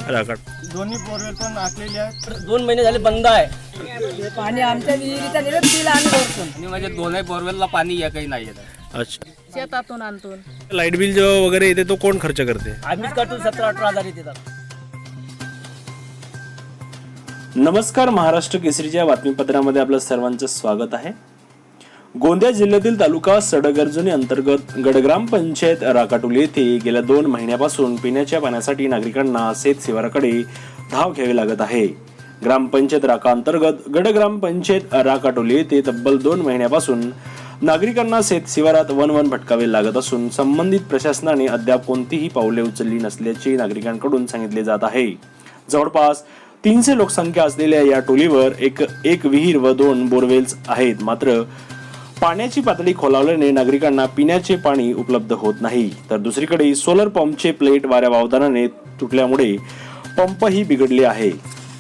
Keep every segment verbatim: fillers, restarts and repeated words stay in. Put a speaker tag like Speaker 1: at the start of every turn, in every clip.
Speaker 1: राकाट
Speaker 2: दोन्ही बोरवेल पण आखलेले आहेत.
Speaker 3: दोन महिने झाले बंद आहे
Speaker 4: पाणी आमच्या विहिरीचा निघत बिल आणि भरतो
Speaker 3: आणि माझ्या दोनही बोरवेलला पाणी या काही नाही येत.
Speaker 1: अच्छा,
Speaker 4: शेतातून आणतो.
Speaker 1: लाईट बिल जो वगैरे येते तो कोण खर्च करते?
Speaker 3: आम्हीच काढून सतरा अठरा हजार येतात.
Speaker 1: नमस्कार, महाराष्ट्र केसरीच्या बातमीपत्रामध्ये आपलं सर्वांचं स्वागत आहे. गोंदिया जिल्ह्यातील तालुका सडगर्जनी अंतर्गत गडग्राम पंचायत राकाटोली येथे गेल्या दोन महिन्यापासून पिण्याच्या पाण्यासाठी नागरिकांना शेत शिवाराकडे धाव घ्यावी लागत आहे. ग्रामपंचायत राका अंतर्गत गडग्राम पंचायत राकाटोली येथे तब्बल दोन महिन्यापासून नागरिकांना शेत शिवारात वन वन भटकावे लागत असून संबंधित प्रशासनाने अद्याप कोणतीही पावले उचलली नसल्याचे नागरिकांकडून सांगितले जात आहे. जवळपास तीनशे लोकसंख्या असलेल्या या टोलीवर एक एक विहीर व दोन बोरवेल्स आहेत. मात्र पाण्याची पातळी खोलावल्याने नागरिकांना पिण्याचे पाणी उपलब्ध होत नाही. तर दुसरीकडे सोलर पंपचे प्लेट वाऱ्या वावदानाने तुटल्यामुळे पंपही बिघडले आहे.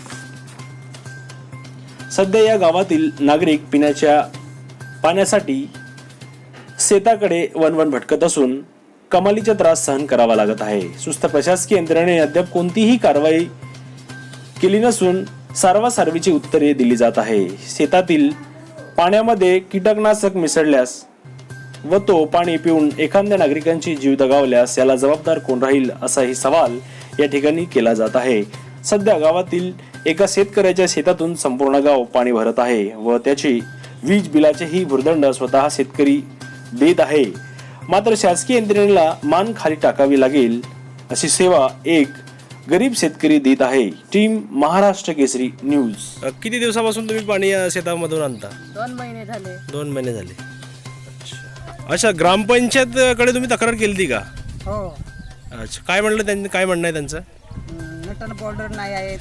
Speaker 1: सध्या या गावातील नागरिक पिण्याच्या पाण्यासाठी शेताकडे वनवन भटकत असून कमालीचा त्रास सहन करावा लागत आहे. सुस्त प्रशासकीय यंत्रणेने अद्याप कोणतीही कारवाई केली नसून सारवासारवीची उत्तरे दिली जात आहे. शेतातील पाण्यामध्ये कीटकनाशक मिसळल्यास व तो पाणी पिऊन एखाद्या नागरिकांची जीव दगावल्यास याला जबाबदार कोण राहील असाही सवाल या ठिकाणी केला जात आहे. सध्या गावातील एका शेतकऱ्याच्या शेतातून संपूर्ण गाव पाणी भरत आहे व त्याची वीज बिलाचेही भुर्दंड स्वतः शेतकरी देत आहे. मात्र शासकीय यंत्रणेला मान खाली टाकावी लागेल अशी सेवा एक गरीब शेतकरी देत आहे. Team Maharashtra Kesari news. किती दिवसापासून तुम्ही पाणी शेतामधून आणता?
Speaker 4: दोन महिने झाले.
Speaker 1: दोन महिने झाले. अच्छा अच्छा, ग्रामपंचायत कडे तुम्ही तक्रार केली ती का?
Speaker 4: हो.
Speaker 1: अच्छा, काय म्हणलं त्यांनी? काय म्हणणं आहे त्यांचं?
Speaker 4: नटन बॉर्डर नाही आहेत,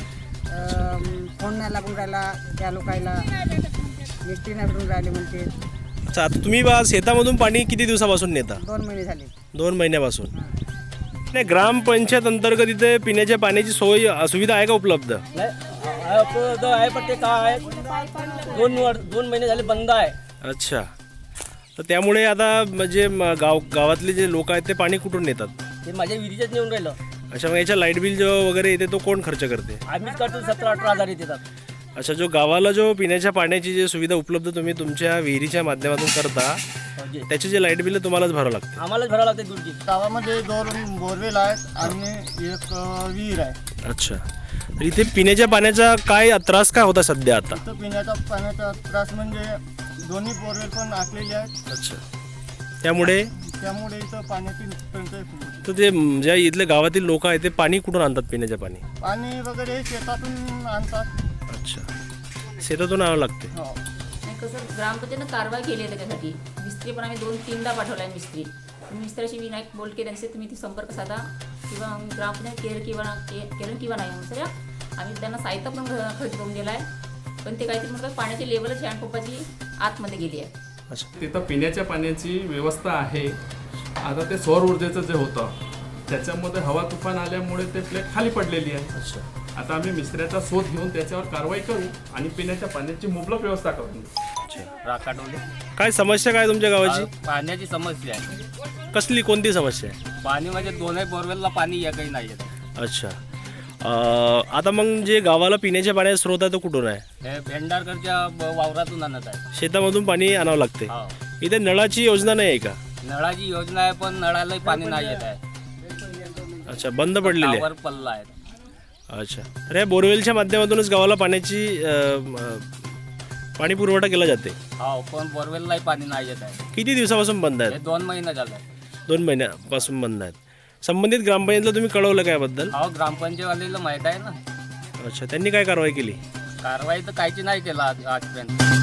Speaker 4: फोन नाही लागून राहिला त्या लोकायला, मिस्त्री नाही भेटून राहिले म्हणते.
Speaker 1: अच्छा, आता तुम्ही बा शेतामधून पाणी किती दिवसापासून नेता?
Speaker 4: दोन महिने झाले.
Speaker 1: दोन महिन्यापासून. नाही, ग्रामपंचायत अंतर्गत इथे पिण्याच्या पाण्याची सोय सुविधा आहे का उपलब्ध?
Speaker 3: आहे पण ते काय आहे दोन दोन महिने झाले बंद आहे.
Speaker 1: अच्छा, तर त्यामुळे आता म्हणजे म- गाव गावातले जे लोक आहेत ते पाणी कुठून नेतात?
Speaker 3: ते माझ्या विहिरीच्याच नेऊन राहिलं.
Speaker 1: अच्छा, मग याच्या लाईट बिल जो वगैरे येते तो कोण खर्च करते?
Speaker 3: आम्हीच काढून सतरा अठरा हजार येतात.
Speaker 1: अच्छा, जो गावाला जो पिण्याच्या पाण्याची जी सुविधा उपलब्ध तुम्ही तुमच्या विहिरीच्या माध्यमातून करता त्याचे जे लाईट बिल तुम्हालाच भरावं लागते?
Speaker 3: आम्हालाच भरावं लागते दूरची.
Speaker 2: गावामध्ये दोन बोरवेल आहेत आणि एक अ, विहीर आहे.
Speaker 1: अच्छा, तर इथे पिण्याच्या पाण्याचा काय त्रास काय होता सध्या आता?
Speaker 2: इथं पिण्याचा पाण्याचा त्रास म्हणजे दोन्ही बोरवेल पण आखलेले आहेत.
Speaker 1: अच्छा, त्यामुळे
Speaker 2: त्यामुळे इथं पाण्याची टंचाई खूप होती.
Speaker 1: तर ते म, ज्या इथले गावातील लोक आहेत ते पाणी कुठून आणतात पिण्याचे पाणी?
Speaker 2: पाणी वगैरे हे शेतातून आणतात.
Speaker 1: अच्छा, शेतातून आणावं लागते.
Speaker 2: हो.
Speaker 5: आणि कसं ग्रामपंचायतनं कारवाई केली आहे त्याच्यासाठी. मिस्त्री पण आम्ही दोन तीनदा पाठवला आहे मिस्त्री. मिस्त्रीशी विनायक बोलके त्यांचे तुम्ही ती संपर्क साधा किंवा ग्रामपंचायत केअर किंवा के केरन किंवा नाही म्हणून सर आम्ही त्यांना साहित्य पण खरेदी करून दिला आहे. पण ते काहीतरी म्हणतात पाण्याची लेवलच हँडपंपाची आतमध्ये गेली आहे.
Speaker 1: अच्छा,
Speaker 6: तिथं पिण्याच्या पाण्याची व्यवस्था आहे. आता ते सौर ऊर्जेचं जे होतं त्याच्यामध्ये हवा तुफान आल्यामुळे ते प्लेट खाली पडलेली आहे.
Speaker 1: अच्छा,
Speaker 6: आता आम्ही मिस्त्र्याचा शोध घेऊन त्याच्यावर कारवाई करू आणि पिण्याच्या पाण्याची मुबलक व्यवस्था करून देऊ.
Speaker 3: राकाटोली
Speaker 1: काय समस्या काय तुमच्या गावाची?
Speaker 3: पाण्याची समस्या आहे.
Speaker 1: कसली कोणती समस्या आहे?
Speaker 3: पाणी म्हणजे दोनही बोरवेलला पाणी या काही नाही येत.
Speaker 1: अच्छा, अं, आता मग जे गावाला पिण्याच्या पाण्याचा स्रोत आहे तो कुठून आहे?
Speaker 3: हे भेंडारकरच्या ब- वावरातून आणत आहे.
Speaker 1: शेतामधून पाणी आणावं लागते.
Speaker 3: हो.
Speaker 1: इथे नळाची योजना नाही आहे का?
Speaker 3: नळाची योजना आहे पण नळालाही पाणी नाही येत आहे.
Speaker 1: अच्छा, बंद पडलेली आहे.
Speaker 3: टावर पल्ला आहे.
Speaker 1: अच्छा, तर या बोरवेलच्या माध्यमातूनच गावाला पाण्याची अं, अं, पाणी पुरवठा केला जाते.
Speaker 3: हो, पण बोरवेललाही पाणी नाही येत आहे.
Speaker 1: किती दिवसापासून बंद
Speaker 3: हे
Speaker 1: आहेत?
Speaker 3: दोन महिने झाले.
Speaker 1: दोन महिन्यापासून बंद आहेत. संबंधित ग्रामपंचायतला तुम्ही कळवलं का याबद्दल?
Speaker 3: हो, ग्रामपंचायतवालीला माहीत आहे ना.
Speaker 1: अच्छा, त्यांनी काय कारवाई केली?
Speaker 3: कारवाई तर काहीची नाही केला आज आजपर्यंत.